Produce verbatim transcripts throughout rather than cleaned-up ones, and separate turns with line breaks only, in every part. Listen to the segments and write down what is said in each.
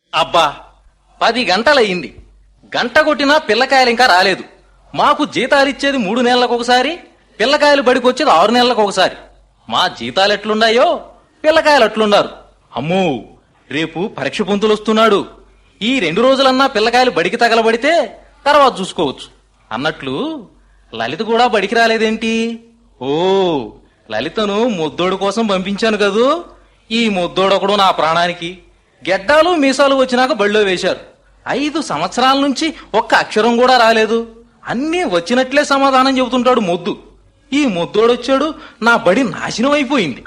అబ్బా, పది గంటలయ్యింది. గంట కొట్టినా పిల్లకాయలు ఇంకా రాలేదు. మాకు జీతాలిచ్చేది మూడు నెలలకు ఒకసారి, పిల్లకాయలు బడికొచ్చేది ఆరు నెలలకు ఒకసారి. మా జీతాలు ఎట్లున్నాయో పిల్లకాయలు అట్లున్నారు. అమ్మో, రేపు పరీక్ష పొంతులు వస్తున్నాడు. ఈ రెండు రోజులన్నా పిల్లకాయలు బడికి తగలబడితే తర్వాత చూసుకోవచ్చు అన్నట్లు లలిత కూడా బడికి రాలేదేంటి? ఓ, లలితను ముద్దోడు కోసం పంపించాను కదూ. ఈ ముద్దోడొకడు నా ప్రాణానికి. గెడ్డాలు మీసాలు వచ్చినాక బడిలో వేశారు. ఐదు సంవత్సరాల నుంచి ఒక్క అక్షరం కూడా రాలేదు. అన్నీ వచ్చినట్లే సమాధానం చెబుతుంటాడు మొద్దు. ఈ ముద్దోడొచ్చాడు, నా బడి నాశనం అయిపోయింది.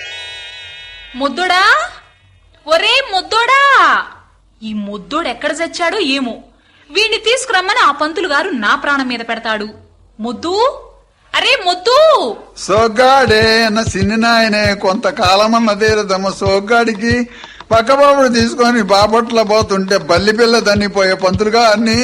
ముద్దోడా, ఒరే ముద్దోడా, ఈ ముద్దోడు ఎక్కడ చచ్చాడో ఏమో. వీణ్ణి తీసుకురమ్మని ఆ పంతులు గారు నా ప్రాణం మీద పెడతాడు. ముద్దు, అరే ముద్దు.
సోగ్గాడే అన్న సిన్ని నాయనే కొంతకాలమన్న తీరదమ్మ. సోగ్గాడికి పక్కబాబుడు తీసుకొని బాపట్ల పోతుంటే బల్లి పిల్ల దన్నిపోయే పంతులుగా అన్ని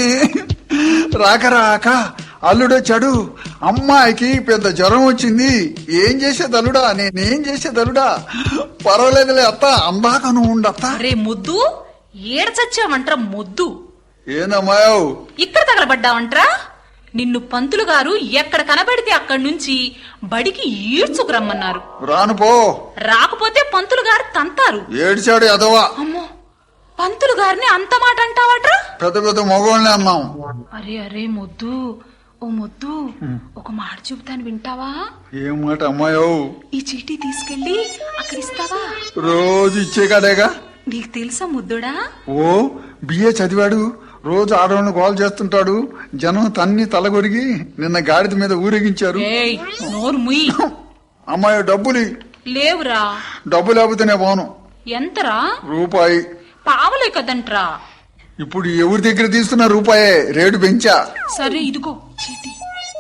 రాక రాక అల్లుడొచ్చాడు. అమ్మాయికి పెద్ద జ్వరం వచ్చింది. ఏం చేసేది అల్లుడా, నేనేం చేసేది అల్లుడా? పర్వాలేదులే అత్త, అందాక నువ్వు ఉండత్త.
అరే ముద్దు, ఏడ చచ్చావంట్రా ముద్దు?
ఏందమ్మాయవు
ఇక్కడ తగలబడ్డావంట్రా? నిన్ను పంతులు గారు ఎక్కడ కనబడితే అక్కడి నుంచి బడికి ఈడ్చుకురమ్మన్నారు.
రాను పో.
రాకపోతే పంతులు గారు తంతారు.
ఏడిచాడు ఎదవా.
అమ్మో, పంతులు గారిని అంత మాట అంటావట్రా?
పెద్ద పెద్ద మగవాళ్ళని అన్నాం.
అరే అరే ముద్దు, ఓ ముద్దు, ఒక మాట చెబుతాను వింటావా?
ఏం మాట అమ్మాయవు?
ఈ చీటీ తీసుకెళ్లి అక్కడ ఇస్తావా?
రోజు ఇచ్చే కాడేగా.
నీకు తెలుసా ముద్దుడా?
ఓ, బిఏ చదివాడు. రోజు ఆడవాళ్ళని కాల్ చేస్తుంటాడు. జనం తన్ని తలగొరిగి నిన్న గాడిద మీద ఊరేగించారు.
ఏయ్, నోరు ముయ్.
అమ్మాయి డబ్బులు
లేవురా.
డబ్బు లేకపోతేనే పోను.
ఎంతరా?
రూపాయి.
పావలే కదంట్రా.
ఇప్పుడు ఎవరి దగ్గర తీసుకున్న రూపాయే, రేటు పెంచా.
సరే ఇదిగో చీటీ.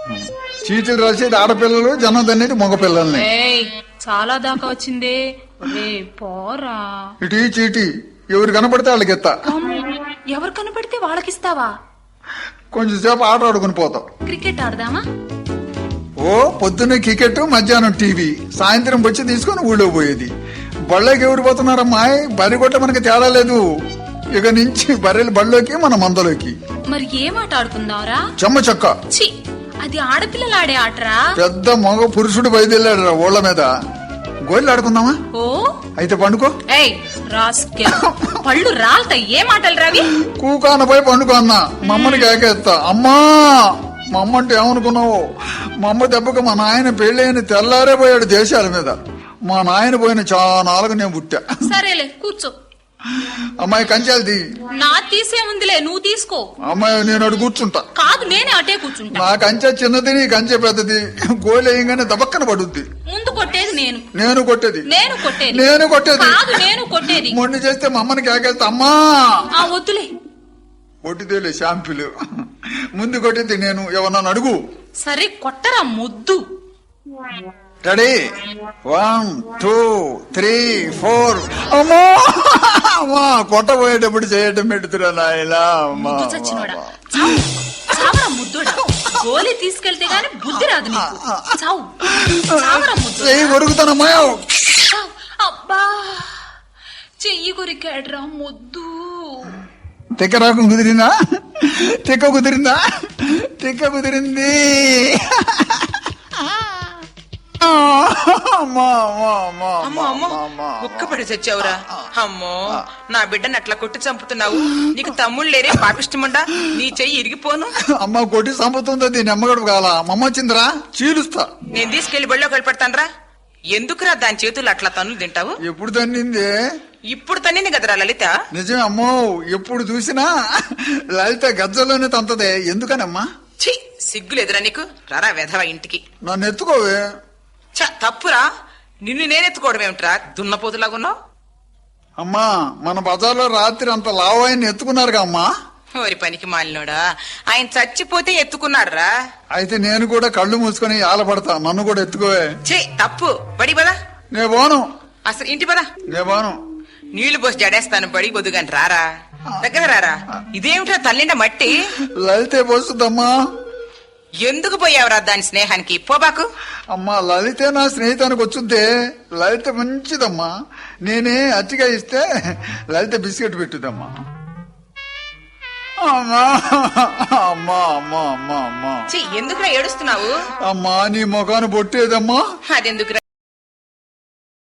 చీటీలు రాసేది ఆడపిల్లలు, జనం తన్నేది మగపిల్లల్ని.
ఏయ్, చాలా దాకా వచ్చిందే. రే పోరా.
ఇటు చీటీ ఎవరు కనపడితే వాళ్ళకి ఎత్తా.
ఎవరు కనపడితే వాళ్ళకిస్తావా?
కొంచెం సేపు ఆట ఆడుకుని పోతాం.
క్రికెట్ ఆడదామా?
ఓ, పొద్దున్నే క్రికెట్, మధ్యాహ్నం టీవీ, సాయంత్రం వచ్చి తీసుకుని ఊళ్ళో పోయేది. బళ్ళకి ఎవరు పోతున్నారమ్మా? బరి కొట్ట మనకి తేడా లేదు. ఇక నుంచి బర్రెలు బళ్ళలోకి, మన మందలోకి.
మరి ఏం ఆట ఆడుకుందాంరా?
చెమ్మ చెక్క.
ఛీ, అది ఆడపిల్లలు ఆడే ఆటరా.
పెద్ద మగ పురుషుడు బయలుదేరాడు ఊళ్ళ మీద. గోళ్ళు ఆడుకుందామా?
ఓ,
అయితే పండుకో.
ఏయ్ రాస్కెల్, పళ్ళు రాల్తాయి. ఏ మాటలు రావి?
కూకానపై పండుకో అన్నా. మమ్మని కేకేస్తా. అమ్మా, మా అమ్మ అంటే ఏమనుకున్నావు? మా అమ్మ దెబ్బకు మా నాయన పెళ్ళైన తెల్లారే పోయాడు దేశాల మీద. మా నాయన పోయిన చానాలుగు నేను పుట్టా.
సరేలే, కూర్చో.
అమ్మాయి కంచాలది.
నా తీసే ఉందిలే, నువ్వు తీసుకో.
అమ్మాయి నేను అటు కూర్చుంటా.
కాదు, నేనే అటే కూర్చుంటా.
నా కంచె చిన్నది, నీ కంచె పెద్దది. గోలేయంగానే దబక్కన పడుద్ది.
ముందు కొట్టేది నేను.
నేను కొట్టేది.
నేను కొట్టేది.
నేను కొట్టేది.
కాదు, నేను కొట్టేది.
మొండి చేస్తే మా అమ్మని కేకేస్తా. అమ్మా,
ఆ వద్దులే.
కొట్టిదేలే షాంపులు. ముందు కొట్టేది నేను. ఎవరన్నా అడుగు.
సరే కొట్టరా ముద్దు.
Ready? One two three four. అమ్మా, అమ్మా, కొట్టబోయేటప్పుడు చేయటం పెడుతురా నాయలా.
ముద్దు చచ్చినోడా, చావు. చావరా ముద్దుడా. గోలీ తీసుకెళ్తే గాని బుద్ధి రాదు నీకు. చావు, చావరా ముద్దు.
చెయ్యి కొరుకుతానమ్మా.
చావు. అబ్బా, చెయ్యి కొరికాడ్రా ముద్దు.
తిక్క రాకం కుదిరిందా? తిక్క కుదిరిందా? తిక్క కుదిరింది.
అమ్మో అమ్మో, ఉక్కపడి చచ్చావురా. అమ్మో, నా బిడ్డని అట్లా కొట్టి చంపుతున్నావు. నీకు తమ్ముళ్ళు లేరే పాపిష్టముండా? నీ చెయ్యి ఇరిగిపోను.
అమ్మ కొట్టి చంపుతుంది. దీని అమ్మగడు కాల. మమ్మ వచ్చిందిరా, చీలుస్తా.
నేను తీసుకెళ్లి బడిలో కలిపెడతానరా. ఎందుకురా దాని చేతులు అట్లా తన్నులు తింటావు?
ఎప్పుడు తన్నింది?
ఇప్పుడు తన్నింది కదరా లలిత.
నిజమే అమ్మో, ఎప్పుడు చూసినా లలిత గజ్జలోనే తంతదే. ఎందుకనమ్మా?
ఛీ, సిగ్గులేదురా నీకు? రారా వెధవ ఇంటికి.
నన్ను ఎత్తుకోవే.
చ, తప్పురా. నిన్ను నేనెత్తుకోవడం ఏమిట్రా, దున్నపోతులాగున్నావు?
అమ్మా, మన బజార్లో రాత్రి అంత లావు ఆయన ఎత్తుకున్నారుగా అమ్మా.
ఓరి పనికి మాలినోడా, ఆయన చచ్చిపోతే ఎత్తుకున్నాడురా.
అయితే నేను కూడా కళ్ళు మూసుకొని ఆలపడతా. నన్ను కూడా ఎత్తుకోవే.
ఛీ, తప్పు. బడి పదా.
నే పోను.
అసలు ఇంటి పదా.
నే పోను.
నీళ్లు పోసి జడేస్తాను. బడి బొద్దుగాని రారా, దగ్గర రారా. ఇదేమిటో తల్లిండ మట్టి.
లలితే పోస్తుందమ్మా.
ఎందుకు పోయావురా దాని స్నేహానికి పోబాకు.
అమ్మా లలితే నా స్నేహితానికి వచ్చుద్దే. లలిత మంచిదమ్మా. నేనే అతిగా ఇస్తే లలిత బిస్కెట్ పెట్టుదమ్మా. అమ్మా అమ్మా అమ్మా అమ్మా అమ్మా
ఛీ, ఎందుకురా ఏడుస్తున్నావు?
అమ్మా నీ మొఖాన్ని బొట్టేదమ్మా.
అదెందుకురా